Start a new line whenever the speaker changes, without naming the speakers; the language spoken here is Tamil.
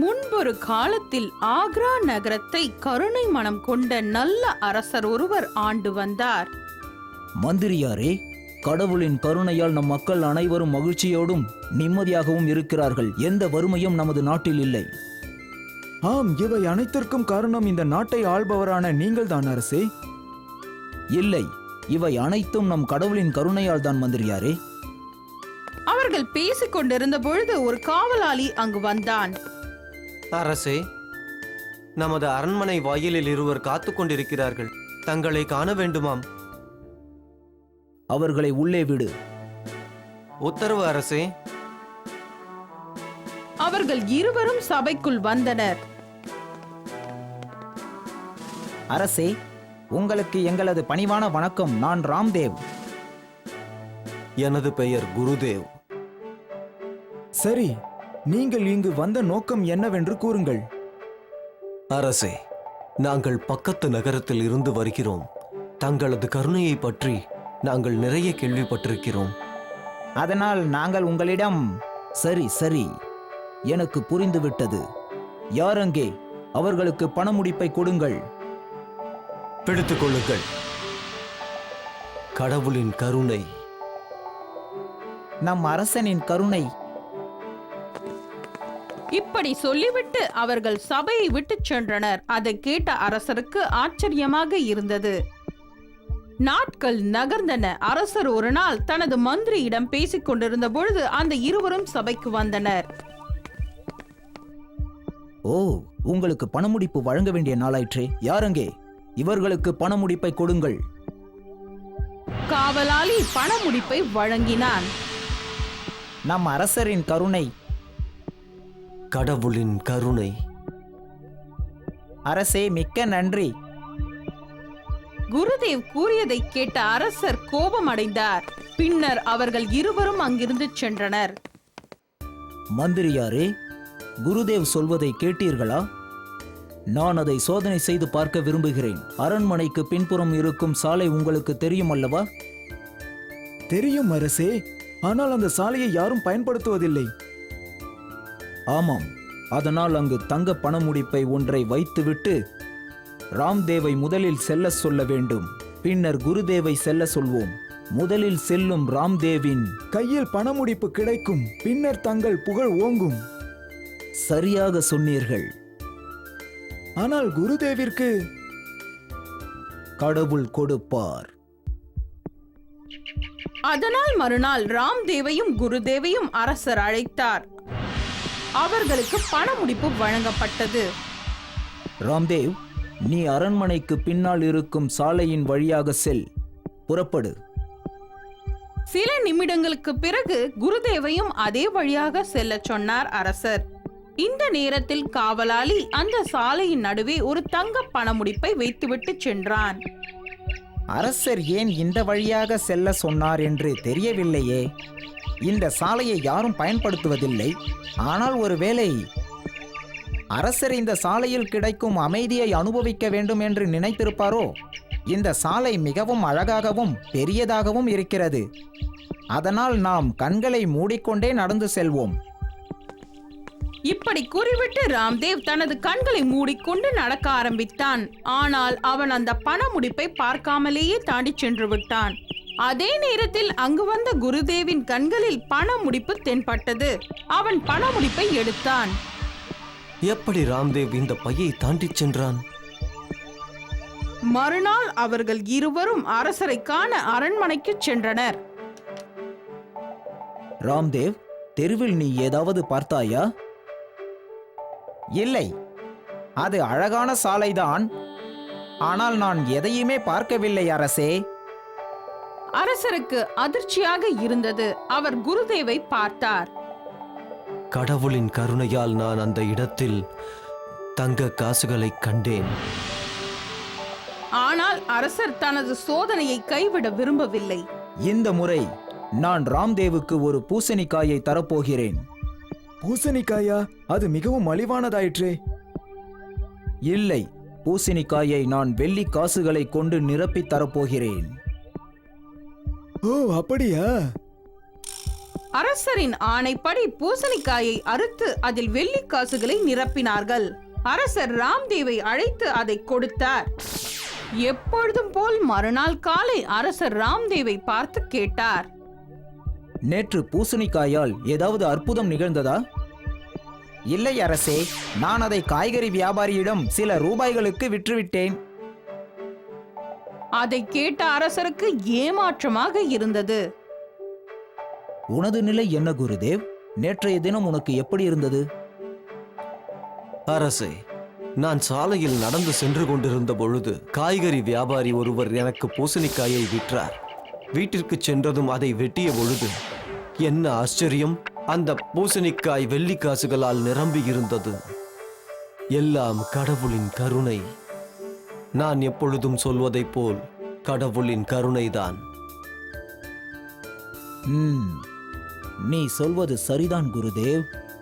முன்பொரு காலத்தில் ஆக்ரா நகரத்தை கருணை மனம் கொண்ட நல்ல அரசர் ஒருவர் ஆண்டு வந்தார்.
மந்திரியாரே, கடவுளின் கருணையால் நம் மக்கள் அனைவரும் மகிழ்ச்சியோடும் நிம்மதியாகவும் இருக்கிறார்கள். எந்த வறுமையும் நமது நாட்டில் இல்லை.
ஆம், இவை அனைத்திற்கும் காரணம் இந்த நாட்டை ஆள்பவரான நீங்கள் தான் அரசே.
இல்லை, இவை அனைத்தும் நம் கடவுளின் கருணையால் தான் மந்திரியாரே.
அவர்கள் பேசிக் கொண்டிருந்த பொழுது ஒரு காவலாளி அங்கு வந்தான்.
அரசே, நமது அரண்மனை வாயிலில் இருவர் காத்துக் கொண்டிருக்கிறார்கள். தங்களை காண வேண்டுமாம்.
அவர்களை உள்ளே விடு.
உத்தரவு அரசே.
அவர்கள் இருவரும் சபைக்குள் வந்தனர்.
அரசே, உங்களுக்கு எங்களது பணிவான வணக்கம். நான் ராம்தேவ்.
எனது பெயர் குருதேவ்.
சரி, நீங்கள் இங்கு வந்த நோக்கம் என்னவென்று கூறுங்கள்.
அரசே, நாங்கள் பக்கத்து நகரத்தில் இருந்து வருகிறோம். தங்களது கருணையை பற்றி நாங்கள் நிறைய கேள்விப்பட்டிருக்கிறோம்.
அதனால் நாங்கள் உங்களிடம்... சரி சரி, எனக்கு புரிந்துவிட்டது. யார் அங்கே? அவர்களுக்கு பண முடிப்பை கொடுங்கள்.
பிடித்துக் கொள்ளுங்கள். கடவுளின் கருணை.
நம் அரசனின் கருணை.
இப்படி சொல்லிவிட்டு அவர்கள் சபையை விட்டு சென்றனர். அதை கேட்ட அரசருக்கு ஆச்சரியமாக இருந்தது. நாட்கள் நகர்ந்தன. அரசர் ஒரு நாள் தனது மந்திரியிடம் பேசிக் கொண்டிருந்த பொழுது அந்த இருவரும் சபைக்கு வந்தனர்.
ஓ, உங்களுக்கு பணமுடிப்பு வழங்க வேண்டிய நாளாயிற்றே. யாரங்கே? இவர்களுக்கு பணமுடிப்பை கொடுங்கள்.
காவலாளி பணமுடிப்பை வழங்கினான்.
நம் அரசரின் கருணை.
கடவுளின் கருணை.
அரசே, மிக்க நன்றி.
குருதேவ் கூறியதை கேட்ட அரசர் கோபம் அடைந்தார். பின்னர் அவர்கள் இருவரும் அங்கிருந்து சென்றனர்.
மந்திரியாரே, குருதேவ் சொல்வதை கேட்டீர்களா? நான் அதை சோதனை செய்து பார்க்க விரும்புகிறேன். அரண்மனைக்கு பின்புறம் இருக்கும் சாலை உங்களுக்கு தெரியும் அல்லவா?
தெரியும் அரசே, ஆனால் அந்த சாலையை யாரும் பயன்படுத்துவதில்லை.
ஆமாம், அதனால் அங்கு தங்க பணமுடிப்பை ஒன்றை வைத்துவிட்டு ராம்தேவை முதலில் செல்ல சொல்ல வேண்டும். பின்னர் குருதேவை செல்ல சொல்வோம். முதலில் செல்லும் ராம்தேவின்
கையில் பணமுடிப்பு கிடைக்கும். பின்னர் தங்கள் புகழ் ஓங்கும்.
சரியாக சொன்னீர்கள்.
ஆனால் குருதேவிற்கு
கடவுள் கொடுப்பார்.
அதனால் மறுநாள் ராம்தேவையும் குருதேவையும் அரசர் அழைத்தார். அவர்களுக்கு பணமுடிப்பு வழங்கப்பட்டது.
ராம்தேவ், நீ அரண்மனைக்கு பின்னால் இருக்கும் சாலையின் வழியாக செல். புறப்படு.
சில நிமிடங்களுக்கு பிறகு குருதேவையும் அதே வழியாக செல்ல சொன்னார் அரசர். இந்த நேரத்தில் காவலாளி அந்த சாலையின் நடுவே ஒரு தங்க பணமுடிப்பை வைத்துவிட்டு சென்றான்.
அரசர் ஏன் இந்த வழியாக செல்ல சொன்னார் என்று தெரியவில்லையே. இந்த சாலையை யாரும் பயன்படுத்துவதில்லை. ஆனால் ஒருவேளை அரசர் இந்த சாலையில் கிடைக்கும் அமைதியை அனுபவிக்க வேண்டும் என்று நினைத்திருப்பாரோ? இந்த சாலை மிகவும் அழகாகவும் பெரியதாகவும் இருக்கிறது. அதனால் நாம் கண்களை மூடிக்கொண்டே நடந்து செல்வோம்.
இப்படி கூறிவிட்டு ராம்தேவ் தனது கண்களை மூடிக்கொண்டு நடக்க ஆரம்பித்தான். ஆனால் அவன் அந்த பணமுடிப்பை பார்க்காமலேயே தாண்டி சென்று விட்டான். அதே நேரத்தில் அங்கு வந்த குருதேவின் கண்களில் பணமுடிப்பு தென்பட்டது. அவன் பணமுடிப்பை எடுத்தான்.
எப்படி ராம்தேவ் இந்த பையை தாண்டி சென்றான்?
மறுநாள் அவர்கள் இருவரும் அரசரை காண அரண்மனைக்கு சென்றனர்.
ராம்தேவ், தெருவில் நீ ஏதாவது பார்த்தாயா? இல்லை, அது அழகான சாலைதான். ஆனால் நான் எதையுமே பார்க்கவில்லை அரசே.
அரசருக்கு அதிர்ச்சியாக இருந்தது. அவர் குருதேவை பார்த்தார்.
கடவுளின் கருணையால் நான் அந்த இடத்தில் தங்க காசுகளை கண்டேன்.
ஆனால் அரசர் தனது சோதனையை கைவிட விரும்பவில்லை.
இந்த முறை நான் ராம்தேவுக்கு ஒரு பூசணிக்காயை தரப்போகிறேன்.
பூசணிக்காயா? அது மிகவும் மலிவானதாயிற்றே.
இல்லை, பூசணிக்காயை நான் வெள்ளி காசுகளை கொண்டு நிரப்பி தரப்போகிறேன்.
ஓ, அப்படியா?
அரசரின் ஆணைப்படி பூசணிக்காயை அறுத்து அதில் வெள்ளிக் காசுகளை நிரப்பினார்கள். அரசர் ராம்தேவை அழைத்து அதை கொடுத்தார். எப்பொழுதும் போல் மறுநாள் காலை அரசர் ராம்தேவை பார்த்து கேட்டார்.
நேற்று பூசணிக்காயால் ஏதாவது அற்புதம் நிகழ்ந்ததா? இல்லை அரசே, நான் அதை காய்கறி வியாபாரியிடம் சில ரூபாய்களுக்கு விற்றுவிட்டேன்.
அதை கேட்ட அரசருக்கு ஏமாற்றமாக இருந்தது.
உனது நிலை என்ன குருதேவ்? நேற்றைய தினம் உனக்கு எப்படி இருந்தது?
அரசே, நான் சாலையில் நடந்து சென்று கொண்டிருந்த பொழுது காய்கறி வியாபாரி ஒருவர் எனக்கு பூசணிக்காயை விற்றார். வீட்டிற்கு சென்றதும் அதை வெட்டிய பொழுது என்ன ஆச்சரியம்! அந்த பூசணிக்காய் வெள்ளி காசுகளால் நிரம்பி இருந்தது. எல்லாம் கடவுளின் கருணை. நான் எப்பொழுதும் சொல்வதைப் போல் கடவுளின் கருணைதான்.
நீ சொல்வது சரிதான் குருதேவ்.